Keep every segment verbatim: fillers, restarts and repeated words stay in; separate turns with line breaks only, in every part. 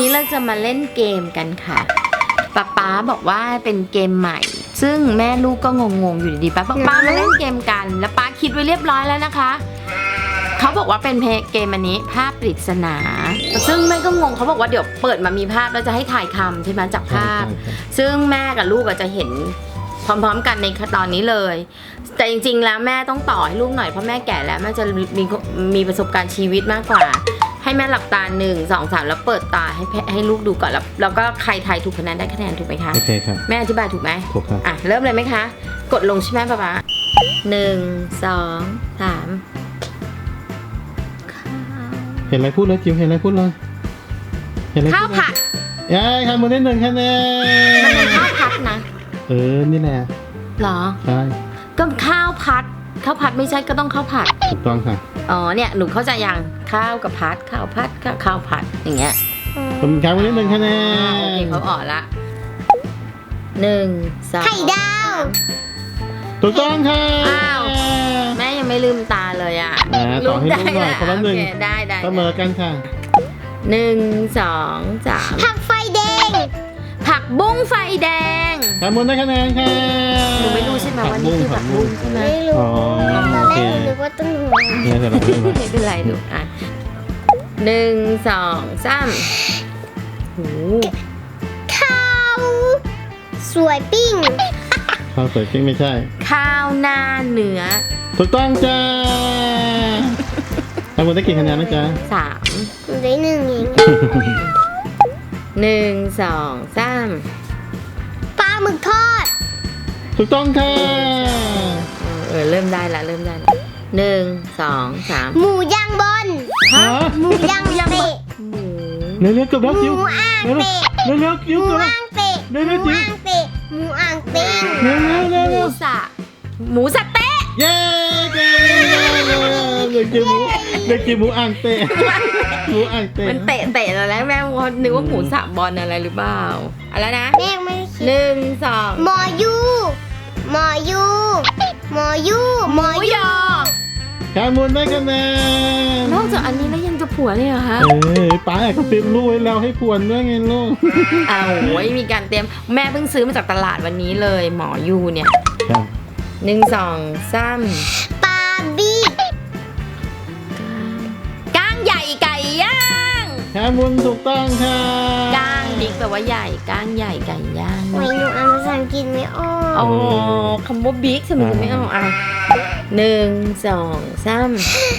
นี้เราจะมาเล่นเกมกันค่ะป๊าป๊าบอกว่าเป็นเกมใหม่ซึ่งแม่ลูกก็งงๆอยู่ดีๆป๊าป๊าป๊ามาเล่นเกมกันแล้วป๊าคิดไว้เรียบร้อยแล้วนะคะเขาบอกว่าเป็นเกมอันนี้ภาพปริศนาซึ่งแม่ก็งงเขาบอกว่าเดี๋ยวเปิดมามีภาพแล้วจะให้ถ่ายคำใช่ไหมจากภาพซึ่งแม่กับลูกก็จะเห็นพร้อมๆกันในตอนนี้เลยแต่จริงๆแล้วแม่ต้องต่อให้ลูกหน่อยเพราะแม่แก่แล้วแม่จะมีมีประสบการณ์ชีวิตมากกว่าให้แม่หลับตาหนึ่งสองสามแล้วเปิดตาให้ให้ลูกดูก่อนแล้วแล้วก็ใครทายถูกคะแนนได้คะแนนถูกไหมคะ
โอเคครับ
แม่อธิบายถูกไหม
ถูกครับ
อ่ะเริ่มเลยไหมคะกดลงใช่ไหมป๊าป๊าหนึ่งสองสาม
เห็นอะไรพูดเลยจิ๋วเห็นอะไรพูดเลยเห็นอะไร
ข้าวผัด
เอ้ยคำมือได้หนึ่งคะแนน
มันเป็นข้าวผัดนะ
เออนี่แหละ
หรอ
ใช่
ก็ข้าวผัดข้าวผัดไม่ใช่ก็ต้องข้าวผัด
ถูกต้องค่ะ
อ๋อเนี่ยหนูเข้าใจยังข้าวกับผัดข้าวผัดกับข้าวผัดอย่างเงี้ย
ผมคำมือได้หนึ่งคะแนน
โอเคเขาออกละหนึ่งสอง
ไข่ดาว
ถูกต้องค่ะ
อ้าวแม่ยังไม่ลืมตาเลยอ่ะ
ต่อให้ลูกหน่อยคนละหนึ่ง
ได้ได้
เสมอกันค่ะ
หนึ่งสองสาม
ผักไฟแดง
ผักบุ้งไฟแดง
คำมือได้คะแนนค่ะ
หนูไม่รู้ใช่ไหมว่านี่คือผักบุ้งใช่ไหม
ไม่รู้ตอนแรกหนูนึกว่าต้นหัว
เนี่ยจะรับไม่
เป็นไรลูกอ่ะหนึ่งสองสามโอ้
ข้าวสวยปิ้ง
ข้าวสวยจริงไม่ใช่
ข้าวหน้าเนื้อ
ถูกต้องจ้าทำมือได้กี่คะแนนนะจ๊ะ
สาม
หนูได้หนึ่งเอง
หนึ่งสองสาม
ปลาหมึกทอด
ถูกต้องค่ะ
เออเริ่มได้ละเริ่มได้ละหนึ่งสองสาม
หมูย่างบน
ฮะ
หมูย่างเตะ
หมู
เร็วๆเกือบแล้วจิ๋ว
หมูอ่างเตะ
เร็วๆจิ๋ว
หมู
เกือบ
อ่างเตะหมูอ่างเตะหมูอ่างเตะ
เร็วๆเร็วๆ
หมูสะหมูสะเต๊ะ
เย้เก่งเด็กจิ๋วหมูเด็กจิ๋วหมูอ่างเตะหมูอ่างเตะ
มันเตะเตะแล้วแม่นึกว่าหมูสะบอลอะไรหรือเปล่าอะไรนะ
แม่ไม่
หนึ่งสอง
หมอยูหมอยูหมอยู
หมูยอ
แคมูลได้คะแนน
นอกจากอันนี้แล้วยังจะผัวเลยเหรอคะ
เอ้ยป้าแอบกระซิบลูกไว้แล้วให้ผวนด้วยไงลูก
อ้าวโอ้ยมีการเตรียมแม่เพิ่งซื้อมาจากตลาดวันนี้เลยหมอยูเนี่ยหนึ่งสองสาม
ปลาบี
ก้างใหญ่ไก่ย่าง
แคมูลถูกต้องค่ะ
ก้างบิ๊กแปลว่าใหญ่ก้างใหญ่ไก่ย่าง
ไม่หนูอ่านภาษาอังกฤษไม่ออก
อ๋อคำว่าบิ๊กสมมติไม่ออกอ่ะหนึ่งสองสาม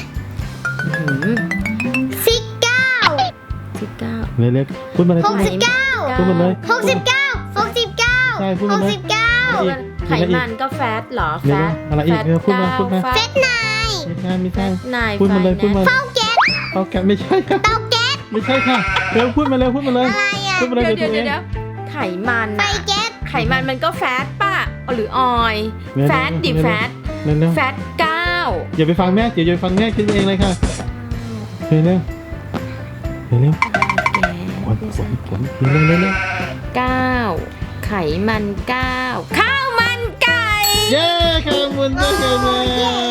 สิบเก้า
สิบเก้า
เล็กๆพูดมาเลย
หกสิบเก้า
พูดมาเลย
หกสิบเก้าหกสิบเก้า
ใช่พูดมาเลย
หกสิบเก้า
ไขมันก็แฟตหรอแฟต
อะไรอีกพูดมาพูดมา
เฟตไน
ไม่ใช่ไม่ใช่
นาย
พูดมาเลยพูดมา
เต้าแก๊ส
เต้าแก๊สไม่ใช่ค่ะ
เต้าแก๊ส
ไม่ใช่ค่ะเร็วพูดมาเร็วพูดมาเลยพูดมาเลย
เดี๋ยวเดี๋ยวเดี๋ยวไขมัน
ไฟแก๊ส
ไขมันมันก็แฟตป่ะหรือออยแฟตดิแฟตแฟตเก้า
อย่าไปฟังแม่เดี๋ยวอย่าไปฟังแม่คิดเองเลยค่ะเร็วเร็วเร็วเร็วผลผลผลเร็วเร็วเร็ว
เก้าไขมันเก้าข้าวมันไก่
เย้ข้าวมันไก่เลย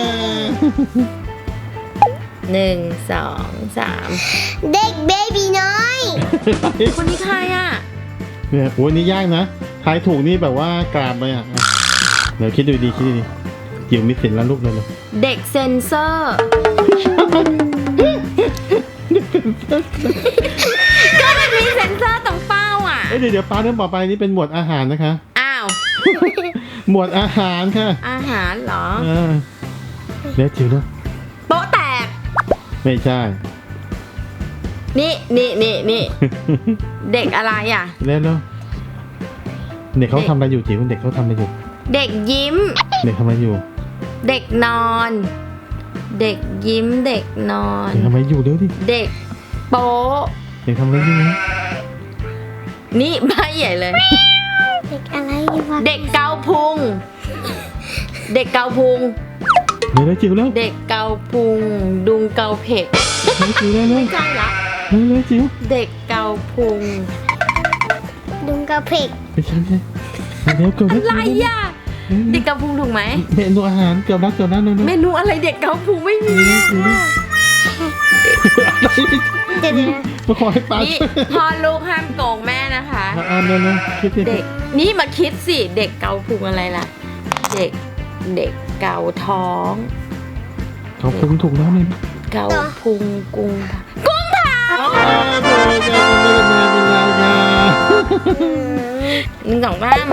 หนึ่งสองสาม
เด็กเบบีน้อย
คนนี้ใครอ่ะ
เนี่ยโอ้ยนี่ยากนะทายถูกนี่แบบว่ากราบเลยอ่ะเดี๋ยวคิดดูดีคิดดีจิ๋วมีสิทธิ์แล้วลูกเลยเลย
เด็กเซนเซอร์ก็มันมีเซนเซอร์ตรงเป้าอ่ะ
เดี๋ยวเดี๋ยวป้าเรื่องต่อไปนี่เป็นหมวดอาหารนะคะ
อ้าว
หมวดอาหารค่ะ
อาหารเหรอ
เดี๋ยวจิ๋วนะ
โป๊ะแตก
ไม่ใช่
นี่นี่นี่นี่เด็กอะไรอ่ะ
เล่นแล้วเด็กเขาทำอะไรอยู่จิ๋วเด็กเขาทำอะไรอยู่
เด็กยิ้ม
เด็กทำอะไรอยู่
เด็กนอนเด็กยิ้มเด็กนอน
เด็กทำอะไรอยู่เดี๋ยวดิ
เด็กโป๊ะ
เด็กทำอะไรอยู่นะ
นี่ใบใหญ่เลย
เด็กอะไรวะ
เด็กเกาพุงเด็กเกาพุง
เดี๋ยวจิ๋วแล้ว
เด็กเกาพุงดุงเกาเผ็ด
จิ๋วแล้วไม่
ใช่ละ
เร็วจิ๋ว
เด็กเกาพุง
ดุงเกาเผ็ด
ไม่ใช่เดี๋ยวเกือบ
อะไรอ่ะเด็กเกาพุงถูกไหม
เมนูอาหารเกือบแล้วเกือบแล้วเมนู
อะไรเด็กเกาพุงไม่มี
เดี๋ยว
มาขอให้ป้า
นี่
ช่วย
พ่อลูกห้ามโกงแม่นะคะ
อ่านเลยนะคิดสิ
เด็กนี่มาคิดสิเด็กเกาพุงอะไรล่ะ เด็กเด็กเกาท้อง
เขาพุงถูกแล้วเนี่ย
เกาพุงกุงผักกุ้งผัก
อ้าวเบอร์เกอร์ไม่ได้มาเป็นไรกัน
หนึ่งสองสาม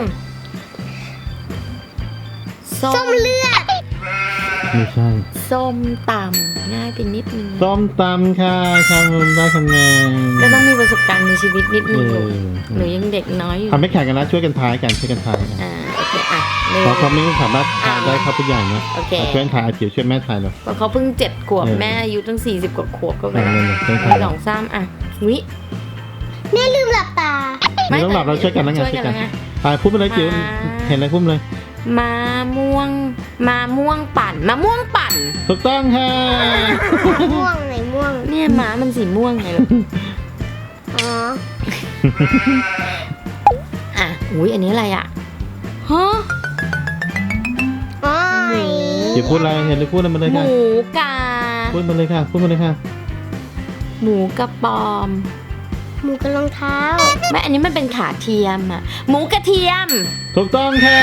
ส้
ส้
ม
มเลือด
ไม่ใช่
ส้มตำง่ายไปนิดนึง
ส้มตำค่ะชามุนได้คะแนน
ก็ต้องมีประสบการณ์ในชีวิตนิด
เอ
นึงลูก
อ
หนูยังเด็กน้อยอยู่
ทำไม่แข่งกันนะช่วยกันทายกันช่วยกันทายกัน
อ่าโอเคอ่ะหนึ่ง
เพราะเขาไม่สามารถทายได้ครับทุกอย่างนะ
โอเค
ช่วยกันทายอาจิ๋วช่วยแม่ทายหน่อย
เพราะเขาเพิ่งเจ็ดขวบ
เออ
แม่อายุตั้งสี่สิบกว่าขวบก็ไป
เอ
แล้ว
อช่วย
ห
ทาย
นึ่งสองสามอ่ะวิ
แม่ลืมหลับตา
ไม่ต้องหลับเราช่วยกันนะไง
ช่วย
ช่วย
กั
กัน น
นะไง
ทายพูดไปเลยจิ๋ว
มา
เห็นอะไรพูดมาเลย
มาม่วงมาม่วงปั่นมาม่วงปั่น
ถูกต้องค่ะ
ม่วงไหนม่วง
เนี่ยม้ามันสีม่วงไงลูก
อ๋อ
อ่ะอุ้ยอันนี้อะไรอ่ะฮะ
อ๋อ
จิ๋วพูดอะไรเห็นเลยพูดอะไรมาเลย
ห
ค่ะ
มูกา
พูดมาเลยค่ะพูดมาเลยค่ะ
หมูกระปอม
หมูกับรองเท้า
ไม่อันนี้มันเป็นขาเทียมอ่ะหมูกระเทียม
ถูกต้องค่ะ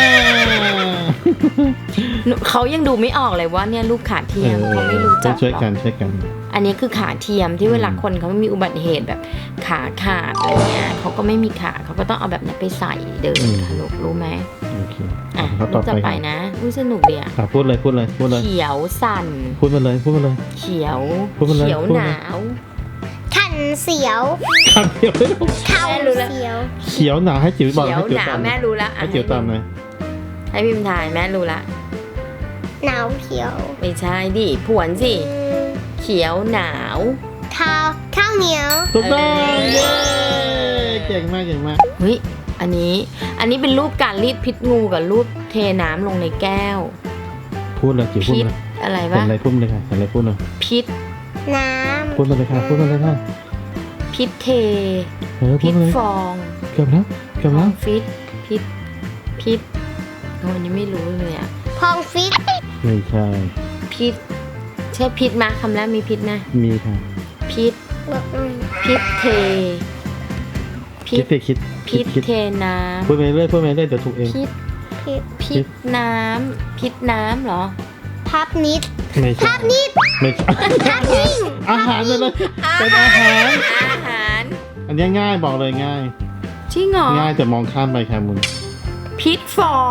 หนูเขายังดูไม่ออกเลยว่าเนี่ยรูปขาเทียมเขาไม่รู้จัก
ช่วย
หรอก
กันช่วยกัน
อันนี้คือขาเทียมที่เวลาคนเขามีอุบัติเหตุแบบขาขาดอะไรเงี้ยเขาก็ไม่มีขาเขาก็ต้องเอาแบบนี้ไปใส่เดิน
อืม
ค่ะลูกรู้ไหม
โอเค
อ่ะ
เขา
รู
ต่อ
ป
ไป
ต่อไป
ค่ะ
นะอุ้ยสนุกดีอ่ะ
ค่ะพูดเลยพูดเลยพูดเลย
เขียวสั่น
พูดมาเลยพูดมาเลย
เขียว
พูดมาเลย
เขียว
พูด
ห
มาเลย
นาว
ขันเสียว
คำเดียวไม่ต้อง
เข่า
แม่รู้แล้ว
เสียว
เขียวหนาให้จิ๋วบอก
เขียว
ให้จิ๋ว
หนา
ตาว ม
แม่รู้ละอ่ะ
ให้จิ๋วตามเลย
ให้พิมพ์ถ่ายแม่รู้ละ
หนาวเขียว
ไม่ใช่ดิผวนสิ
อืม
เขียวหนาว
ข้าวข้าวเหนียว
ถูกต้อง
เออ
เย้เก่งมากเก่งมาก
เฮ้ยอันนี้อันนี้เป็นรูปการรีดพิษงูกับรูปเทน้ำลงในแก้ว
พูดเลยจิ๋วพูด
พิษ
มาเลย
อะไร
เห็น
วะ
อะไรพูดมาเลยค่ะเห็นอะไรพูดเลย
พิษ
น้
พูดมาเลยค่ะพูดมาเลยค่ะ
พิษเท
เออพู
พิ
ด
ษ
มาเลย
ฟอง
เกือบแล้วเกือบ
ฟอ
แล้ว
งฟิตพิษพิษโอ้อันนี้ไม่รู้เลยอ่ะ
ำพองฟิต
ไม่ใช่
พิษใช่พิษมาคำแรกมีพิษนะ
มีค่ะ
พิษ
บอกหน่อย
พิษเทพิ
คิ
ษ
ดสิคิด
พิษ
คิด
เทน้
พูดไปเรื่อยพูดไปเรื่อยเดี๋ยวถูกเอง
ำพิษ
พิษ
พิษน้ำพิษน้ำเหรอ
พับนิด
ไม่ใช่
พับนิด
ไม่ใช่
พับนิ่ง
อาหารเลยเลยเป็นอาหาร
อาหาร
อันนี้ง่ายบอกเลยง่าย
จริงเหรอ
ง่ายแต่มองข้ามไปค่ะมุน
พิษฟอง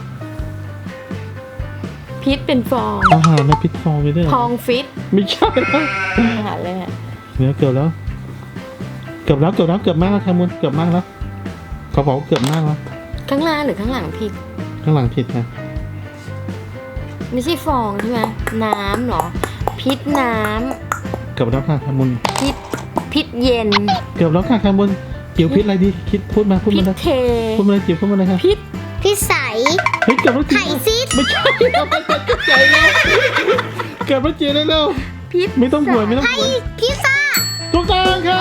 พิษเป็นฟอง
อาหารนะพิษฟองเลยด้วย
พองฟิต
ไม่ใช่นะ
อาหารเลยอะ
เนื้อเกือบแล้ว เกือบแล้วเกือบแล้วเกือบมากแล้วค่ะมุนเกือบมากแล้วเขาบอกว่าเกือบมากแล้ว
ข้างหน้าหรือข้างหลังผิด
ข้างหลังผิดค่ะ
ไม่ใช่ฟองใช่ไหมน้ำเหรอ พิษน้
เกือบแล้วค่ะค่ะมุน
ำพิษพิษเย็น
เกือบแล้วค่ะค่ะมุนจิ๋วพิษอะไรดีคิดพูดมาพูด
พิ
มา
ษ
เลย
เท
พูดมาเลยจิ๋วพูดมาเลยค่ะ
พิษ
พิษใส
เฮ้ยเกือบแล้วจิ๋
ไข่
ว
ซิด
ไม่ใช่เราไปจัดกระจายแล้วเกือบแล้วจิ๋วเร็ว
พิษ
ๆไม่ต้องห่วยไม่ต้อง
ไข่
ห่วย
พิซซ่า
ถูกต้องค่ะ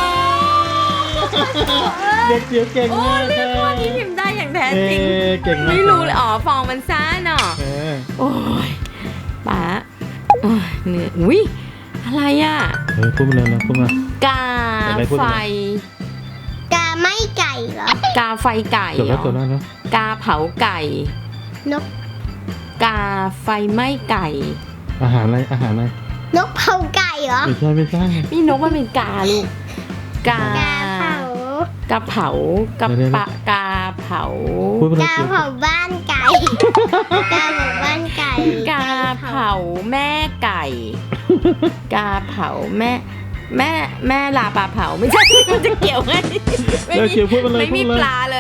เด็กจิ๋วเก่ง
โอ้
มาก
เรื่อง
ค่ะ
ข้อนี้พิมพ์ได้อย่างแท้
เอ
จริง
อเก่งมาก
ไม่รู้เลยอ๋อฟองมันซ่าเนาะ
เออ
โอ้ยป๋าโอ้ยเหนื่อยอุ้ยอะไรอ่ะ
เออพูดมาเลยนะพูดมา
กา
อะไรพูด
ไฟ
อะไร
กาไม่ไก่เหรอก
าไฟไก่
เกือบ
เหร
แล้วเกือบ
อ
แล้วนะ
กาเผาไก่
นก
กาไฟไหม้ไก่
อาหารอะไรอาหารอะไร
นกเผาไก่เหรอ
ไม่ใช่ไม่ใช่
นี่นกมันเป็นกาลูก กาก
าเผาก
าเผากาปะกาเผา
พูดมาเลย
กา
จิ๋ว
เผาบ้านไก่ กาเผาบ้านไก่
กาเผาแม่ไก่ กาเผาแม่ แม่แม่ลาปลาเผาไม่ใช่ มันจะเกี่ยวไงไม่
เดี๋ยว
มี
จิ๋วพูดมาเลย
ไม่
พู
มี
ดมา
ป
เลย
ลาเลย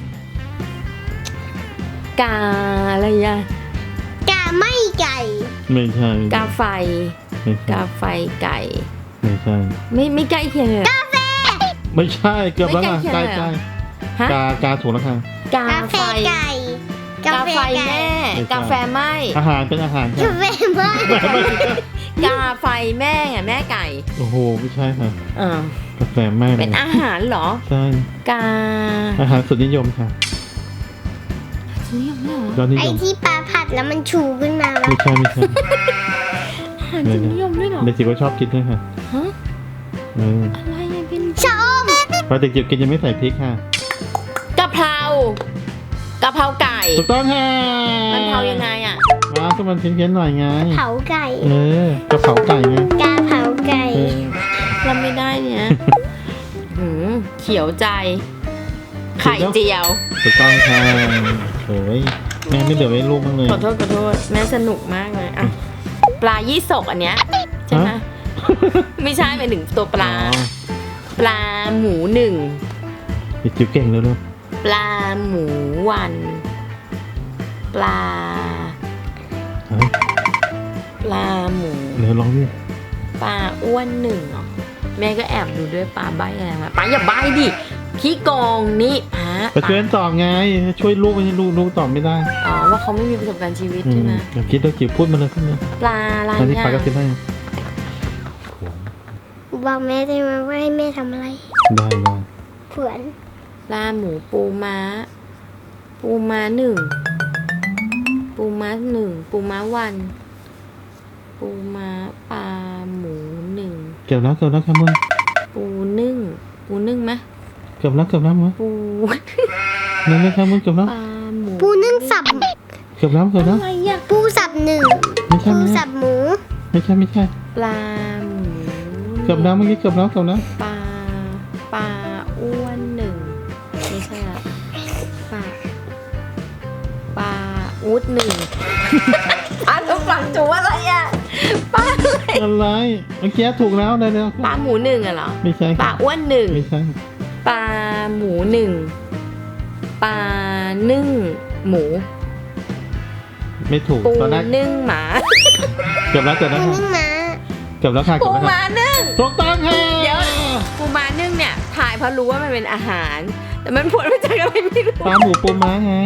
กาอะไรอะ
กาไม่ไก่
ไม่ใช่
กาไฟ
ไม่ใช่
กาไฟไก่
ไม่ใช่
ไม่ไม่ใกล้เคียงเลยเหรอ
ไม่ใช่เกือบแล้วค่ะ
ไม่
ใก
ใกล้
ล้
เคี
ใก
ย
ล้
งเลยเหรอ ฮะ
กากาถูกแล้วค่ะ
กาก
าแฟ
ไฟ
ไก่
กาไฟแม่ กาแฟไหม
อาหารเป็นอาหาร
กา
ค่ะ
แฟไม่
กาไฟแม่ไงแม่ไก่
โอ้โหไม่ใช่ค่ะ
อ่าก
าแฟไม่
เป็นอาหารเหรอ
ใช่
กา
อาหารสุดนิยมค่ะ
นี่ยังไม่เหรอย
อดนิ
ไอย
ม
ที่ปลาผัดแล้วมันชูขึ้นมาวะ
ไม่ใช่ไม่ใช่
อาหารสุดนิยมด้วยเหรอ
เด็กจิ๋วก็ชอบกินด้วยค่ะ
ฮะ
เออ
อะไรอะพี่
ชะอม
ปลาเด็กจิ๋วกินยังไม่ใส่พริกค่ะ
กะเพรากะเพราไก่
ถูกต้องค่ะ
มันเผายังไงอ่ะ
ว้าวก็มันเพี้ยนๆหน่อยไง
เผาไก่
เออกระเพราไก่ไง
กาเผาไก่
เออ
เราไม่ได้เนี่ยหืมเขียวใจ ไข่เจียว
ถูกต้องค่ะโอ้ยแม่ไม่เหลือไว้ลูกบ้างเลย
ขอโทษขอโทษแม่สนุกมากเลยอ่ะปลายี่สกอันเนี้ยใช่ไหม
ฮะ
ไม่ใช่หมายถึงตัวปลา
อ๋อ
ปลาหมูหนึ่ง
เด็กจิ๋วเก่งเลยลูก
ปลาหมูวัน ปลา
เฮ้ย
ปลาหมู
เดี๋ยวลองดิ
ปลาอ้วนหนึ่งเหรอแม่ก็แอบดูด้วยปลาใบอะไรมาปลาอย่าใบดิขี้โกงนี่ฮะ
ไปช่วยกันตอบไง ช่วยลูกไม่ใช่ลูกลูกตอบไม่ได้
อ๋อว่าเขาไม่มีประสบการณ์ชีวิต
อื
ใช่
ม
ไหม
เดี๋ยวคิดแล้วจิ๋วพูดมาเลยพูดมา
ปลาอะไร
ตอนนี้
เนี่ย
ปลากระซิบให้
บอกแม่ได้ไหมว่าให้แม่ทำอะไร
ได้ได้
เผื่อน
ปลาหมูปูม้า ปูม้าหนึ่งปูม้าหนึ่งปูม้าวัน ปูม้าปลาหมูหนึ่ง
เกือบแล้วเกือบแล้วครับมึง
ปูนึ่งปูนึ่งไหม
เกือบแล้วเกือบแล้วมั้ง
ปู
นั่นเลยครับมึงเกือบแล้ว
ปลาหมู
ปูนึ่งสับ
เกือบแล้วเกือบแล้ว
อะไรอะ
ปูสับหนึ่ง
ไม่ใช่
ปู
ไม่ใช่
สับหมู
ไม่ใช่ไม่ใช่
ปลาหมู
เกือบแล้วเมื่อกี้เกือบแล้วเกือบแล้ว
ปลาปลาอ้วนหนึ่งไม่ใช่ละปลาปลาอูดหนึ่ง อันต้องฝังจูอะไรอะปลาอะไร
อะไรเมื่อกี้ถูกแล้วได้แล้ว
ปลาหมูหนึ่งอะเหรอ
ไม่ใช่
ปลาอ้วนหนึ่ง
ไม่ใช่
ปลาหมูหนึ่งปลานึ่งหมู
ไม่ถูก
ปู
ตอนแรก
นึ่งหมา
เกือบแล้วเกือบ
ปู
แล้วค่ะ
นึ่งม้า
เกือบแล้วค่ะ
ปู
เกือบแล้ว
ห
ค่ะ
มานึ่ง
ถูกต้องค่ะ
เดี๋ยว ปูม้านึ่งเนี่ยถ่ายเพราะรู้ว่ามันเป็นอาหาร แต่มันผลมาจากอะไรไม่รู้
ปลาหมูปูม้าไง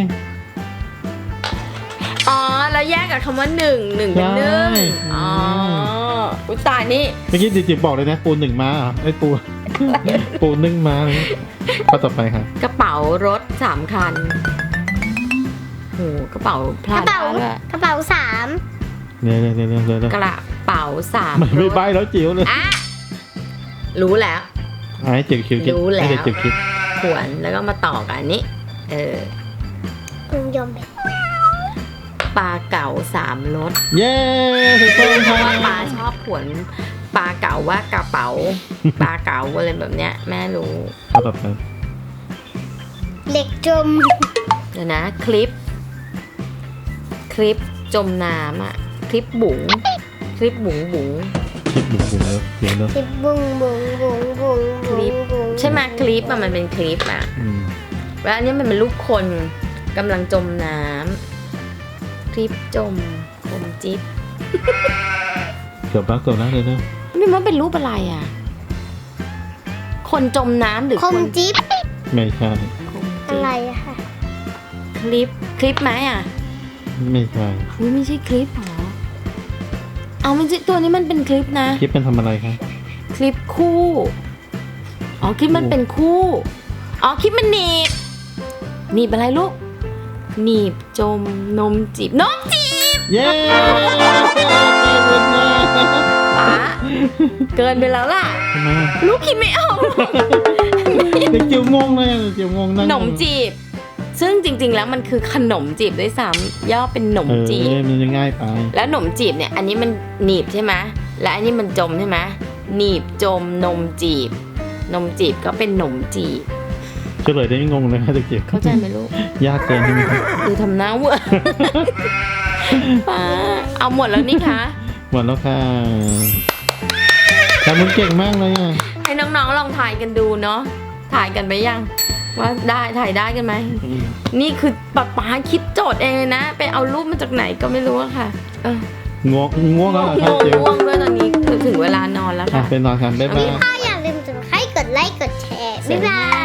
อ๋อแล้วแยกกับคำว่าหนึ่งหนึ่งเป็นนึ่ง
ใช่
อ๋ออุยตายนี่
เมื่อกี้จิ๋วบอกเลยนะปูหนึ่งม้าเหรอไอ้ปู ปูนึ่งม้าเลยข้อต่อไปค่ะ
กระเป๋ารถสามคันโหกระเป๋าก พลา
ระ
ด
เป๋า
ด้วย
กระเป๋าสาม
เร็วเร็วเร็วเร็วเร็วเร็ว
กระเป๋าสาม
ไม่ไม่
รถ
ใบแล้วจิ๋วเลย
อ่ะรู้แล้ว
อ่ะให้จิ๋วคิดคิด
รู้แล้ว
ให้เด็กจิ๋วคิด
ขวนแล้วก็มาต่อกันอันนี้ เออ
คุณยอมไหม
ปลาเก๋าสามรส
เย้ถูกต้อง
เพ
ค่ะ
ราะว่าปลาชอบขวนปลาเก๋าว่ากระเป๋า ปลาเก๋าอะไรแบบเนี้ย แม่รู้
ข้อต่อไป
เหล็กจม
เดี๋ยวนะ คลิป คลิปจมน้ำอ่ะ คลิปบุ๋งคลิปบุ๋งบุ๋ง
คิดบุ๋มบุ๋มแล้วเดี๋ยวเนาะ
สิบบุ้งบุ้งบุ้งบุ้ง
คลิป
บุ้ง
ใช่ไหมคลิปอะมันเป็นคลิปอะ
อืม
แล้วอันนี้มันเป็นรูปคนกำลังจมน้ำคลิปจมจมจิ๊บ
เกือบแล้วเกือบแล้วเลยนะ
นี่มันเป็นรูปอะไรอ่ะ คนจมน้ำหรือ
ค
ค
ม
น
จิ๊บ
ไม่ใช่
คม
อะ
จิ๊บ
ไรอะค่ะ
คลิปคลิปไหมอ่ะ
ไม่ใช่
อุ๊ยไม่ใช่คลิปหรอเอามันจะตัวนี้มันเป็นคลิปนะ
คลิปเป็นทำอะไรคะ
คลิปคู่ อ๋อคลิปมันเป็นคู่ อ๋อคลิปมันหนีบหนีบอะไรลูกหนีบจมนมจีบนมจีบ
เย้
ป๋าเกินไปแล้วล่ะ
ทำไมอ่ะ
ลูกคิดไม่ออกหรอก
เด็กจิ๋วงงเลยอ่ะเด็กจิ๋วงง
ข
นั่ง
นมจีบ ซึ่งจริง ๆ แล้วมันคือขนมจีบด้วยซ้ำย่อเป็นหนม
เออ
จีบ
มันจะง่ายไป
แล้วหนมจีบเนี่ย อันนี้มันหนีบใช่ไหมและอันนี้มันจมใช่ไหมหนีบจมนมจีบ นมจีบก็เป็นหนมจีบ
เฉลยได้ไม่งงเลยค่ะเด็กจิ๋ว
เข้าใจไหมลูก
ยากเกินใช่ไหมครับ
ดูทำหน้าเวอร์ ป้าเอาหมดแล้วนี่คะ
หมดแล้วค่ะแต่มึงเก่งมากเลยอ่ะ
ให้น้องๆลองถ่ายกันดูเนาะถ่ายกันไปยัง ว่าได้ถ่ายได้กันไหม นี่คือป๊าป๊าคิดโจทย์เองเลยนะ ไปเอารูปมาจากไหนก็ไม่รู้อะค่ะเออ
ง่วงง่วงแล้วเหรอคะ
ง่วง
จิ๋ว
ง่วงด้วยตอนนี้คือถึงเวลานอนแล้ว
อ่ะ
ค่ะ
ไปนอนกันบ๊ายบาย
ถ้าอย่าลืมกดไลค์กดแชร์ บ๊ายบาย